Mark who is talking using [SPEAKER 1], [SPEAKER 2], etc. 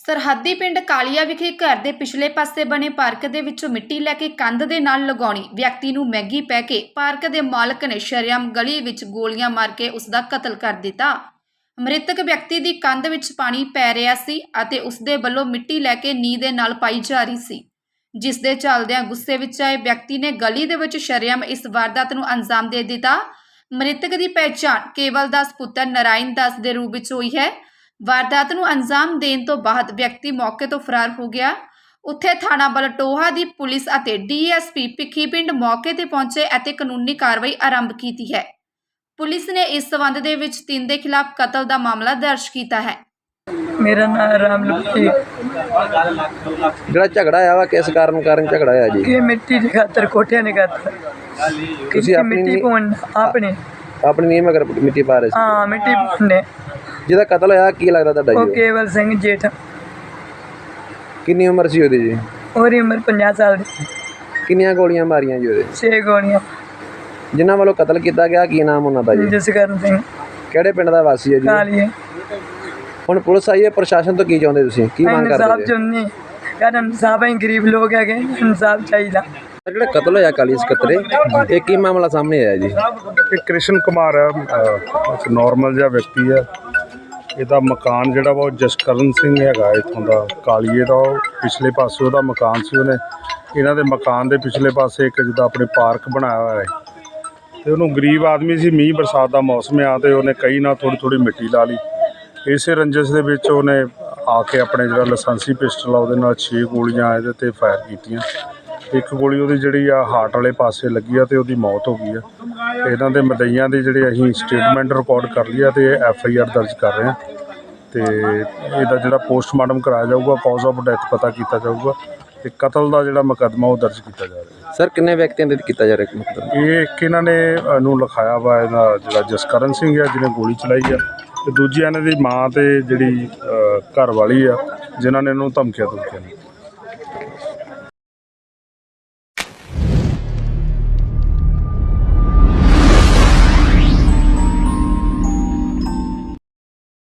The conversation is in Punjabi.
[SPEAKER 1] ਸਰਹੱਦੀ ਪਿੰਡ ਕਾਲੀਆ ਵਿਖੇ ਘਰ ਦੇ ਪਿਛਲੇ ਪਾਸੇ ਬਣੇ ਪਾਰਕ ਦੇ ਵਿੱਚੋਂ ਮਿੱਟੀ ਲੈ ਕੇ ਕੰਧ ਦੇ ਨਾਲ ਲਗਾਉਣੀ ਵਿਅਕਤੀ ਨੂੰ ਮਹਿੰਗੀ ਪੈ ਕੇ ਪਾਰਕ ਦੇ ਮਾਲਕ ਨੇ ਸ਼ਰੇਆਮ ਗਲੀ ਵਿੱਚ ਗੋਲੀਆਂ ਮਾਰ ਕੇ ਉਸ ਦਾ ਕਤਲ ਕਰ ਦਿੱਤਾ। ਮ੍ਰਿਤਕ ਵਿਅਕਤੀ ਦੀ ਕੰਧ ਵਿੱਚ ਪਾਣੀ ਪੈ ਰਿਹਾ ਸੀ ਅਤੇ ਉਸ ਦੇ ਵੱਲੋਂ ਮਿੱਟੀ ਲੈ ਕੇ ਨੀਂਹ ਦੇ ਨਾਲ ਪਾਈ ਜਾ ਰਹੀ ਸੀ, ਜਿਸ ਦੇ ਚੱਲਦਿਆਂ ਗੁੱਸੇ ਵਿੱਚ ਆਏ ਵਿਅਕਤੀ ਨੇ ਗਲੀ ਦੇ ਵਿੱਚ ਸ਼ਰੇਆਮ ਇਸ ਵਾਰਦਾਤ ਨੂੰ ਅੰਜਾਮ ਦੇ ਦਿੱਤਾ। ਮ੍ਰਿਤਕ ਦੀ ਪਹਿਚਾਣ ਕੇਵਲ ਦਾਸ ਪੁੱਤਰ ਨਰਾਇਣ ਦਾਸ ਦੇ ਰੂਪ ਵਿੱਚ ਹੋਈ ਹੈ। ਵਾਰਦਾਤ ਨੂੰ ਅੰਜਾਮ ਦੇਣ ਤੋਂ ਬਾਅਦ ਵਿਅਕਤੀ ਮੌਕੇ ਤੋਂ ਫਰਾਰ ਹੋ ਗਿਆ। ਉੱਥੇ ਥਾਣਾ ਬਲਟੋਹਾ ਦੀ ਪੁਲਿਸ ਅਤੇ ਡੀਐਸਪੀ ਭਿੱਖੀਵਿੰਡ ਮੌਕੇ ਤੇ ਪਹੁੰਚੇ ਅਤੇ ਕਾਨੂੰਨੀ ਕਾਰਵਾਈ ਆਰੰਭ ਕੀਤੀ ਹੈ। ਪੁਲਿਸ ਨੇ ਇਸ ਸਬੰਧ ਦੇ ਵਿੱਚ 3 ਦੇ ਖਿਲਾਫ ਕਤਲ ਦਾ ਮਾਮਲਾ ਦਰਜ ਕੀਤਾ ਹੈ।
[SPEAKER 2] मेरा नाम रामलक्ष्मी।
[SPEAKER 3] ਜਿਹੜਾ ਝਗੜਾ ਆਇਆ ਵਾ ਕਿਸ ਕਾਰਨ ਝਗੜਾ ਆਇਆ ਜੀ?
[SPEAKER 2] कि मिट्टी की खातर कोठिया ने खातर
[SPEAKER 3] ਤੁਸੀਂ ਆਪਣੀ
[SPEAKER 2] मिट्टी पौन आपने
[SPEAKER 3] ਆਪਣੀ ਨੀਂਹ ਮਗਰ ਮਿੱਟੀ ਪਾ ਰਹੇ ਸੀ।
[SPEAKER 2] हाँ मिट्टी पौने
[SPEAKER 3] ਜਿਹਦਾ ਕਤਲ ਹੋਇਆ ਕੀ ਲੱਗਦਾ ਤੁਹਾਡਾ
[SPEAKER 2] वो
[SPEAKER 3] ਜੀ?
[SPEAKER 2] केवल सिंह जेठ।
[SPEAKER 3] ਕਿੰਨੀ ਉਮਰ ਸੀ ਉਹਦੀ ਜੀ?
[SPEAKER 2] और उम्र 50 साल की।
[SPEAKER 3] ਕਿੰਨੀਆਂ ਗੋਲੀਆਂ ਮਾਰੀਆਂ ਜੀ ਉਹਦੇ?
[SPEAKER 2] 6 गोलियां।
[SPEAKER 3] ਜਿਨ੍ਹਾਂ ਵੱਲੋਂ ਕਤਲ ਕੀਤਾ ਗਿਆ ਕੀ ਨਾਮ ਉਹਨਾਂ ਦਾ ਜੀ?
[SPEAKER 2] जसकरण सिंह
[SPEAKER 3] ਕਿਹੜੇ ਪਿੰਡ ਦਾ ਵਾਸੀ ਹੈ ਜੀ?
[SPEAKER 2] कालिए।
[SPEAKER 3] ਹੁਣ ਪੁਲਿਸ ਆਈ ਹੈ, ਪ੍ਰਸ਼ਾਸਨ ਤੋਂ ਕੀ ਚਾਹੁੰਦੇ ਤੁਸੀਂ? ਕੀ ਮੰਗ
[SPEAKER 2] इंसाफ
[SPEAKER 3] ਕਰਦੇ ਜੀ?
[SPEAKER 2] चुननी यार इंसाफ ही गरीब लोग है इंसाफ चाहिए।
[SPEAKER 3] ਜਿਹੜਾ ਕਤਲ ਹੋਇਆ ਕਾਲੀ ਸਕੱਤਰੇ, ਇਹ ਕੀ ਮਾਮਲਾ ਸਾਹਮਣੇ ਆਇਆ ਜੀ?
[SPEAKER 4] ਇਹ ਕ੍ਰਿਸ਼ਨ ਕੁਮਾਰ ਹੈ, ਇੱਕ ਨਾਰਮਲ ਜਿਹਾ ਵਿਅਕਤੀ ਹੈ। ਇਹਦਾ ਮਕਾਨ ਜਿਹੜਾ ਵਾ ਉਹ ਜਸਕਰਨ ਸਿੰਘ ਹੈਗਾ ਇੱਥੋਂ ਦਾ ਕਾਲੀਏ ਦਾ। ਉਹ ਪਿਛਲੇ ਪਾਸੇ ਉਹਦਾ ਮਕਾਨ ਸੀ। ਉਹਨੇ ਇਹਨਾਂ ਦੇ ਮਕਾਨ ਦੇ ਪਿਛਲੇ ਪਾਸੇ ਇੱਕ ਜਿੱਦਾਂ ਆਪਣੇ ਪਾਰਕ ਬਣਾਇਆ ਹੋਇਆ ਹੈ ਅਤੇ ਉਹਨੂੰ ਗਰੀਬ ਆਦਮੀ ਸੀ, ਮੀਂਹ ਬਰਸਾਤ ਦਾ ਮੌਸਮ ਆ ਅਤੇ ਉਹਨੇ ਕਈ ਨਾਲ ਥੋੜ੍ਹੀ ਮਿੱਟੀ ਲਾ ਲਈ। ਇਸੇ ਰੰਜਿਸ਼ ਦੇ ਵਿੱਚ ਉਹਨੇ ਆ ਕੇ ਆਪਣੇ ਜਿਹੜਾ ਲਾਇਸੈਂਸੀ ਪਿਸਟਲ ਆ ਉਹਦੇ ਨਾਲ 6 ਗੋਲੀਆਂ ਇਹਦੇ 'ਤੇ ਫਾਇਰ ਕੀਤੀਆਂ। ਇੱਕ ਗੋਲੀ ਉਹਦੀ ਜਿਹੜੀ ਆ ਹਾਰਟ ਵਾਲੇ ਪਾਸੇ ਲੱਗੀ ਆ ਅਤੇ ਉਹਦੀ ਮੌਤ ਹੋ ਗਈ ਆ। ਇਹਨਾਂ ਦੇ ਮਦਈਆਂ ਦੀ ਜਿਹੜੇ ਅਸੀਂ ਸਟੇਟਮੈਂਟ ਰਿਕਾਰਡ ਕਰ ਲਈ ਆ ਅਤੇ FIR ਦਰਜ ਕਰ ਰਹੇ ਹਾਂ ਅਤੇ ਇਹਦਾ ਜਿਹੜਾ ਪੋਸਟਮਾਰਟਮ ਕਰਾਇਆ ਜਾਊਗਾ, ਕਾਜ਼ ਆਫ ਡੈਥ ਪਤਾ ਕੀਤਾ ਜਾਊਗਾ ਅਤੇ ਕਤਲ ਦਾ ਜਿਹੜਾ ਮੁਕੱਦਮਾ ਉਹ ਦਰਜ ਕੀਤਾ ਜਾ ਰਿਹਾ।
[SPEAKER 3] ਸਰ ਕਿੰਨੇ ਵਿਅਕਤੀਆਂ ਦੇ ਕੀਤਾ ਜਾ ਰਿਹਾ ਮਤਲਬ?
[SPEAKER 4] ਇਹ ਇੱਕ ਇਹਨਾਂ ਨੇ ਨੂੰ ਲਿਖਾਇਆ ਵਾ, ਇਹਦਾ ਜਿਹੜਾ ਜਸਕਰਨ ਸਿੰਘ ਆ ਜਿਹਨੇ ਗੋਲੀ ਚਲਾਈ ਆ, ਅਤੇ ਦੂਜੀ ਇਹਨਾਂ ਦੀ ਮਾਂ ਅਤੇ ਜਿਹੜੀ ਘਰ ਵਾਲੀ ਆ ਜਿਨ੍ਹਾਂ ਨੇ ਇਹਨੂੰ ਧਮਕੀਆਂ ਦਿੱਤੀਆਂ ਨੇ।